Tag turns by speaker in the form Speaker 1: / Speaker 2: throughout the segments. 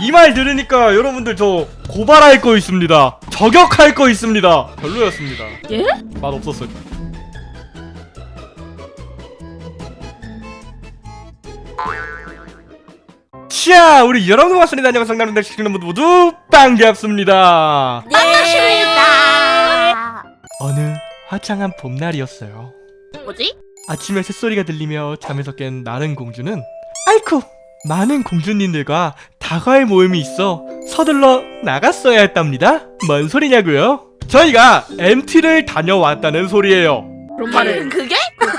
Speaker 1: 이 말 들으니까 여러분들 저 고발할 거 있습니다. 저격할 거 있습니다. 별로였습니다.
Speaker 2: 예?
Speaker 1: 맛 없었어요. 자, 우리 여러분 왔습니다. 안녕하세요. 여러분들 시청자 모두 반갑습니다.
Speaker 2: 반갑습니다.
Speaker 1: 어느 화창한 봄날이었어요.
Speaker 2: 뭐지?
Speaker 1: 아침에 새소리가 들리며 잠에서 깬 나른 공주는 아이쿠! 많은 공주님들과 다과의 모임이 있어 서둘러 나갔어야 했답니다. 뭔 소리냐고요? 저희가 MT를 다녀왔다는 소리예요.
Speaker 2: 그런 말을
Speaker 3: 그게?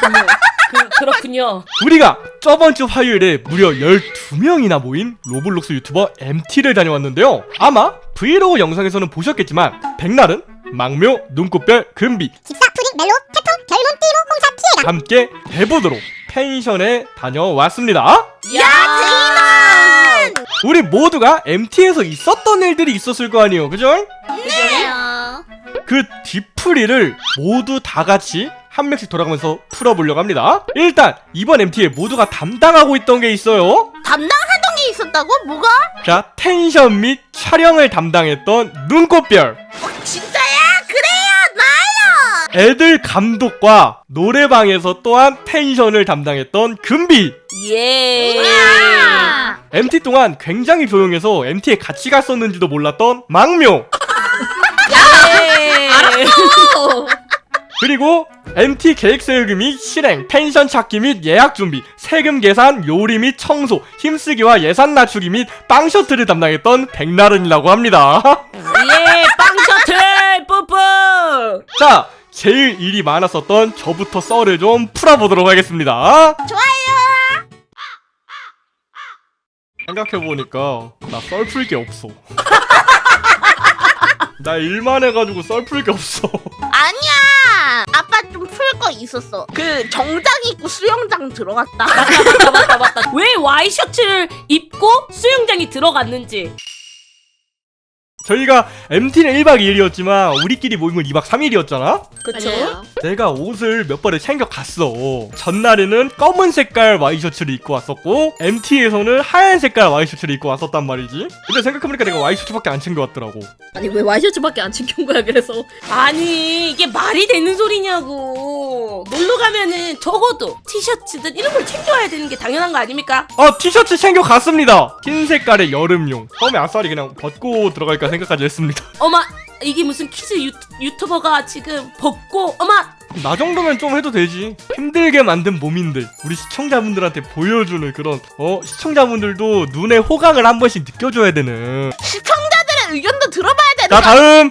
Speaker 2: 그렇군요.
Speaker 1: 우리가 저번주 화요일에 무려 12명이나 모인 로블록스 유튜버 MT를 다녀왔는데요. 아마 브이로그 영상에서는 보셨겠지만 백날은, 망묘, 눈꽃별, 금비,
Speaker 4: 집사, 푸딩, 멜로, 태풍, 별문, 띠로, 홍사, 피해가
Speaker 1: 함께 대부도로 펜션에 다녀왔습니다.
Speaker 3: 야 대인아!
Speaker 1: 우리 모두가 MT에서 있었던 일들이 있었을 거 아니에요, 그죠?
Speaker 3: 그래요.
Speaker 1: 그 뒤풀이를 모두 다 같이 한 명씩 돌아가면서 풀어보려고 합니다. 일단 이번 MT에 모두가 담당하고 있던 게 있어요.
Speaker 3: 담당하던 게 있었다고? 뭐가?
Speaker 1: 자, 텐션 및 촬영을 담당했던 눈꽃별,
Speaker 3: 진짜야? 그래요 나요.
Speaker 1: 애들 감독과 노래방에서 또한 텐션을 담당했던 금비.
Speaker 2: 예.
Speaker 3: 아!
Speaker 1: MT 동안 굉장히 조용해서 MT에 같이 갔었는지도 몰랐던 망묘.
Speaker 2: 예.
Speaker 1: 그리고 MT 계획 세우기 및 실행, 펜션 찾기 및 예약 준비, 세금 계산, 요리 및 청소, 힘쓰기와 예산 낮추기 및 빵 셔틀을 담당했던 백나른이라고 합니다.
Speaker 2: 예. 빵 셔틀 뿌뿌.
Speaker 1: 자, 제일 일이 많았었던 저부터 썰을 좀 풀어보도록 하겠습니다.
Speaker 3: 좋아요.
Speaker 1: 생각해보니까 나 썰 풀 게 없어. 나 일만 해가지고 썰 풀 게 없어.
Speaker 3: 아니야. 아빠 좀 풀 거 있었어. 그 정장 입고 수영장 들어갔다.
Speaker 2: 맞다. 왜 와이셔츠를 입고 수영장에 들어갔는지.
Speaker 1: 저희가 MT는 1박 2일이었지만 우리끼리 모인 건 2박 3일이었잖아?
Speaker 2: 그쵸?
Speaker 1: 내가 옷을 몇 벌을 챙겨갔어. 전날에는 검은 색깔 와이셔츠를 입고 왔었고 MT에서는 하얀 색깔 와이셔츠를 입고 왔었단 말이지. 근데 생각해보니까 내가 와이셔츠밖에 안 챙겨왔더라고.
Speaker 5: 아니 왜 와이셔츠밖에 안 챙겨온 거야 그래서.
Speaker 2: 아니 이게 말이 되는 소리냐고. 놀러 가면은 적어도 티셔츠든 이런 걸 챙겨와야 되는 게 당연한 거 아닙니까?
Speaker 1: 티셔츠 챙겨갔습니다. 흰 색깔의 여름용. 처음에 아싸리 그냥 벗고 들어갈까 생각까지 했습니다.
Speaker 2: 어마 이게 무슨 키즈 유튜버가 지금 벗고 어마.
Speaker 1: 나 정도면 좀 해도 되지. 힘들게 만든 몸인들 우리 시청자분들한테 보여주는 그런 시청자분들도 눈에 호강을 한 번씩 느껴줘야 되는.
Speaker 3: 시청자들의 의견도 들어봐야 되는
Speaker 1: 자,
Speaker 3: 거.
Speaker 1: 다음.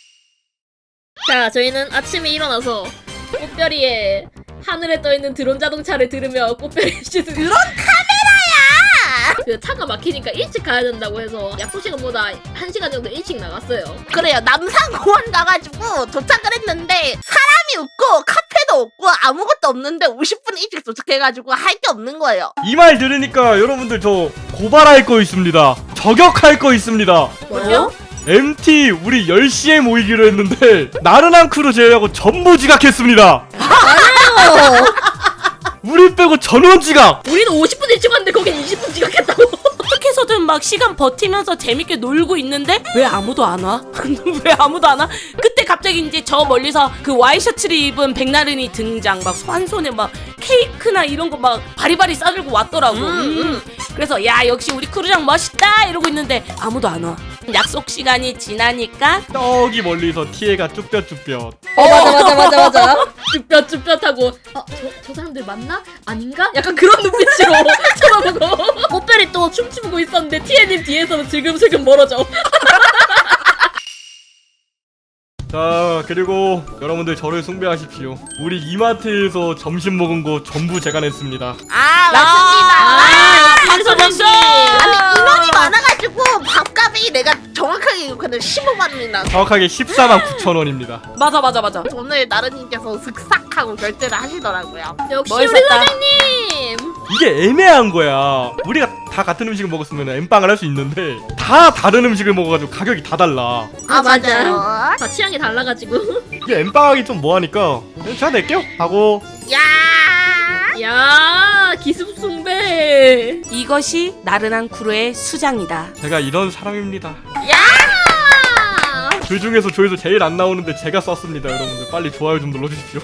Speaker 5: 자 저희는 아침에 일어나서 꽃별이의 하늘에 떠있는 드론 자동차를 들으며 꽃별이 씨
Speaker 3: 드론 카메라야.
Speaker 5: 그 차가 막히니까 일찍 가야 된다고 해서 약속 시간보다 1시간 정도 일찍 나갔어요.
Speaker 3: 그래요. 남산공원 가가지고 도착을 했는데 사람이 없고 카페도 없고 아무것도 없는데 50분 일찍 도착해가지고 할 게 없는 거예요.
Speaker 1: 이 말 들으니까 여러분들 저 고발할 거 있습니다. 저격할 거 있습니다.
Speaker 5: 뭐요?
Speaker 1: MT 우리 10시에 모이기로 했는데 나른한 크루 제외하고 전부 지각했습니다. 우리 빼고 전원 지각.
Speaker 5: 우리는 50분 일찍 왔는데 거긴 20분 지각했다고.
Speaker 2: 어떻게 해서든 막 시간 버티면서 재밌게 놀고 있는데 왜 아무도 안 와? 왜 아무도 안 와? 그때 갑자기 이제 저 멀리서 그 와이셔츠를 입은 백나른이 등장. 막 한 손에 막 케이크나 이런 거 막 바리바리 싸들고 왔더라고. 그래서 야 역시 우리 크루장 멋있다 이러고 있는데 아무도 안 와. 약속 시간이 지나니까
Speaker 1: 저기 멀리서 티에가 쭈뼛쭈뼛.
Speaker 5: 맞아. 쭈뼛쭈뼛하고 저 사람들 맞나? 아닌가? 약간 그런 눈빛으로 쳐다보고 꽃별이 또 춤추고 있었는데 TN님 뒤에서는 슬금슬금 멀어져.
Speaker 1: 자, 그리고 여러분들 저를 숭배하십시오. 우리 이마트에서 점심 먹은 거 전부 제가 냈습니다.
Speaker 3: 아 맞습니다.
Speaker 2: 박수.
Speaker 3: 아니 인원이 많아가지고 밥값이 내가 정확하게 기억하는 15만 원이나.
Speaker 1: 정확하게 14만 9천 원입니다.
Speaker 2: 맞아.
Speaker 3: 오늘 나른님께서 슥싹하고 결제를 하시더라고요.
Speaker 5: 역시
Speaker 2: 뭐
Speaker 5: 우리
Speaker 2: 있었다?
Speaker 5: 사장님.
Speaker 1: 이게 애매한 거야. 우리가 다 같은 음식을 먹었으면 엠빵을 할 수 있는데 다 다른 음식을 먹어가지고 가격이 다 달라.
Speaker 3: 아 맞아요.
Speaker 5: 다 취향이 달라가지고.
Speaker 1: 이게 엠빵하기 좀 뭐하니까 제가 낼게요 하고.
Speaker 3: 야.
Speaker 5: 야 기습숭배.
Speaker 2: 이것이 나른한 크루의 수장이다.
Speaker 1: 제가 이런 사람입니다.
Speaker 5: 아,
Speaker 1: 그 중에서 조회수 제일 안 나오는데 제가 썼습니다. 여러분들 빨리 좋아요 좀 눌러주십시오.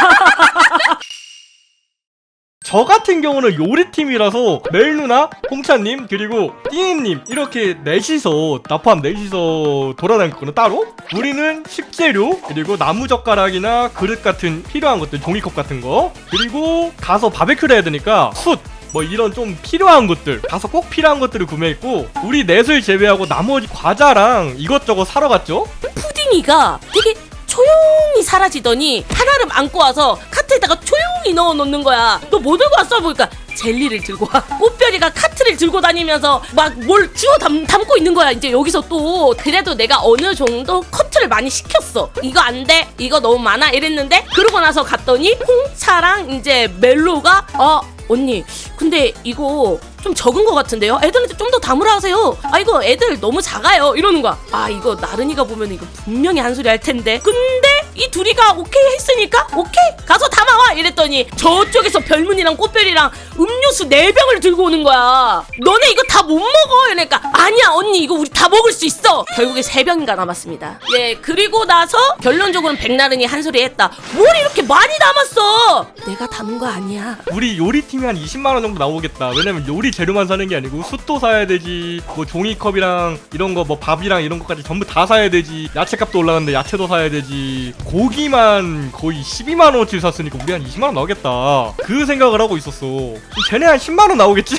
Speaker 1: 저 같은 경우는 요리팀이라서 멜 누나, 홍차님, 그리고 띠님 이렇게 넷이서 나포함 넷이서 돌아다녔거든요. 따로 우리는 식재료 그리고 나무젓가락이나 그릇 같은 필요한 것들, 종이컵 같은 거, 그리고 가서 바베큐를 해야 되니까 숯 뭐 이런 좀 필요한 것들, 가서 꼭 필요한 것들을 구매했고, 우리 넷을 제외하고 나머지 과자랑 이것저것 사러 갔죠.
Speaker 2: 푸딩이가 되게 조용히 사라지더니 하나를 안고 와서 카트에다가 조용히 넣어 놓는 거야. 너 뭐 들고 왔어? 보니까 젤리를 들고 와. 꽃별이가 카트를 들고 다니면서 막 뭘 주워 담고 있는 거야. 이제 여기서 또 그래도 내가 어느 정도 커트를 많이 시켰어. 이거 안 돼, 이거 너무 많아 이랬는데, 그러고 나서 갔더니 홍차랑 이제 멜로가 언니 근데 이거 좀 적은 것 같은데요? 애들한테 좀 더 담으라 하세요. 아 이거 애들 너무 작아요 이러는 거야. 아 이거 나른이가 보면 이거 분명히 한 소리 할 텐데, 근데 이 둘이가 오케이 했으니까 오케이 가서 담아와 이랬더니 저쪽에서 별문이랑 꽃별이랑 음료수 4병을 들고 오는 거야. 너네 이거 다 못 먹어 이러니까 아니야 언니 이거 우리 다 먹을 수 있어. 결국에 3병인가 남았습니다. 예, 그리고 나서 결론적으로는 백나른이 한 소리 했다. 뭘 이렇게 많이 담았어. 내가 담은 거 아니야.
Speaker 1: 우리 요리팀이 한 20만원 정도 나오겠다. 왜냐면 요리 재료만 사는 게 아니고 숯도 사야 되지, 뭐 종이컵이랑 이런 거, 뭐 밥이랑 이런 것까지 전부 다 사야 되지, 야채값도 올라갔는데 야채도 사야 되지, 고기만 거의 12만원어치 샀으니까 우리 한 20만원 나오겠다. 그 생각을 하고 있었어. 쟤네 한 10만원 나오겠지?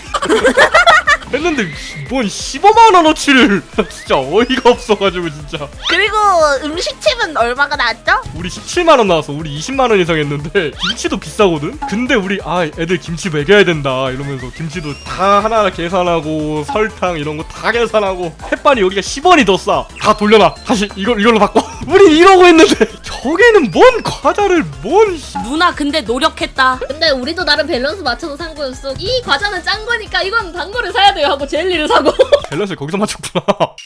Speaker 1: 했는데 뭔 15만원어치를 진짜 어이가 없어가지고 진짜.
Speaker 3: 그리고 음식집은 얼마가 나왔죠?
Speaker 1: 우리 17만원 나왔어. 우리 20만원 이상 했는데 김치도 비싸거든? 근데 우리 애들 김치 먹여야 된다 이러면서 김치도 다 하나하나 계산하고 설탕 이런 거 다 계산하고 햇반이 여기가 10원이 더 싸. 다 돌려놔. 다시 이걸로 바꿔. 우리 이러고 했는데 저게는 뭔 과자를 뭔
Speaker 2: 누나 근데 노력했다.
Speaker 5: 근데 우리도 나름 밸런스 맞춰서 산 거였어. 이 과자는 짠 거니까 이건 단 거를 사야 돼요 하고 젤리를 사고.
Speaker 1: 밸런스를 거기서 맞췄구나.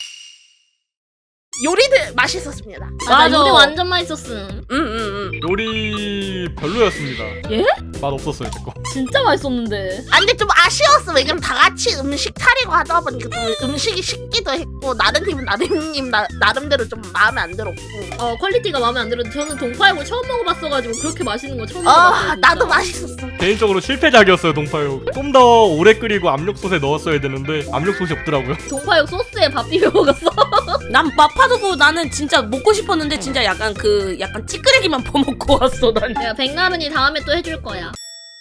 Speaker 3: 요리들 맛있었습니다.
Speaker 5: 맞아. 우리 완전 맛있었음.
Speaker 1: 요리 별로였습니다.
Speaker 5: 예?
Speaker 1: 맛 없었어요 제거.
Speaker 5: 진짜 맛있었는데.
Speaker 3: 아 근데 좀 아쉬웠어. 왜냐면 다 같이 음식 차리고 하다 보니까 좀 음식이 식기도 했고, 나른님은 나른님 나름대로 좀 마음에 안 들었고.
Speaker 5: 퀄리티가 마음에 안 들었는데 저는 동파육을 처음 먹어봤어가지고 그렇게 맛있는 거 처음 먹어봤어요. 진짜.
Speaker 3: 나도 맛있었어.
Speaker 1: 개인적으로 실패작이었어요 동파육. 좀 더 오래 끓이고 압력솥에 넣었어야 되는데 압력솥이 없더라고요.
Speaker 5: 동파육 소스에 밥 비벼 먹었어.
Speaker 2: 난 마파두부 나는 진짜 먹고 싶었는데 진짜 약간 찌끄레기만 퍼먹고 왔어 난.
Speaker 5: 내가 백나른이 다음에 또 해줄 거야.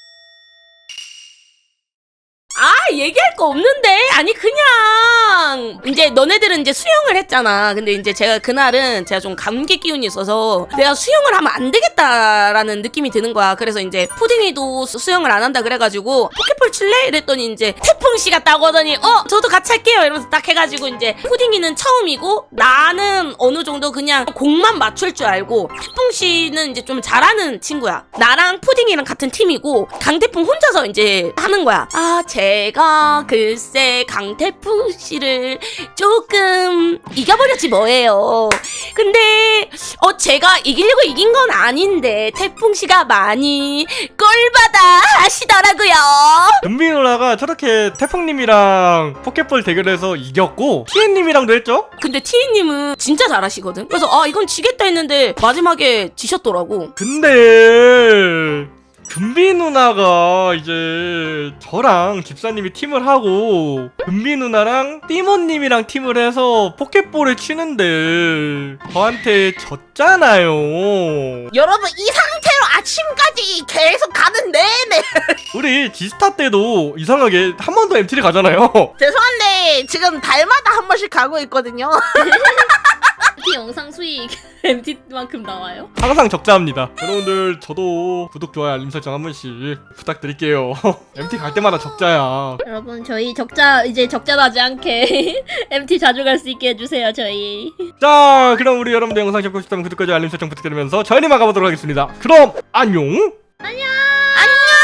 Speaker 2: 얘기할 거 없는데. 아니 그냥 이제 너네들은 이제 수영을 했잖아. 근데 이제 제가 그날은 제가 좀 감기 기운이 있어서 내가 수영을 하면 안 되겠다라는 느낌이 드는 거야. 그래서 이제 푸딩이도 수영을 안 한다 그래가지고 포켓볼 칠래? 이랬더니 이제 태풍 씨가 따고 하더니 저도 같이 할게요 이러면서 딱 해가지고, 이제 푸딩이는 처음이고 나는 어느 정도 그냥 공만 맞출 줄 알고, 태풍 씨는 이제 좀 잘하는 친구야. 나랑 푸딩이랑 같은 팀이고 강태풍 혼자서 이제 하는 거야. 제가 글쎄 강태풍 씨를 조금 이겨버렸지 뭐예요. 근데 제가 이기려고 이긴 건 아닌데 태풍 씨가 많이 꼴받아 하시더라고요.
Speaker 1: 은비 누나가 저렇게 태풍님이랑 포켓볼 대결해서 이겼고 티엔님이랑도 했죠?
Speaker 2: 근데 티이님은 진짜 잘하시거든. 그래서 이건 지겠다 했는데 마지막에 지셨더라고.
Speaker 1: 근데 금비 누나가 이제 저랑 집사님이 팀을 하고 금비 누나랑 띠모님이랑 팀을 해서 포켓볼을 치는데 저한테 졌잖아요.
Speaker 3: 여러분 이 상태로 아침까지 계속 가는 내내
Speaker 1: 우리 지스타 때도 이상하게 한 번 더 MT를 가잖아요.
Speaker 3: 죄송한데 지금 달마다 한 번씩 가고 있거든요.
Speaker 5: MT 영상 수익 MT만큼 나와요?
Speaker 1: 항상 적자합니다. 여러분들 저도 구독, 좋아요, 알림 설정 한 번씩 부탁드릴게요. MT 갈 때마다 적자야.
Speaker 5: 여러분 저희 이제 적자 나지 않게 MT 자주 갈 수 있게 해주세요 저희.
Speaker 1: 자, 그럼 우리 여러분들 영상 접고 싶다면 구독과 좋아요, 알림 설정 부탁드리면서 저희는 마가보도록 하겠습니다. 그럼 안녕.
Speaker 3: 안녕.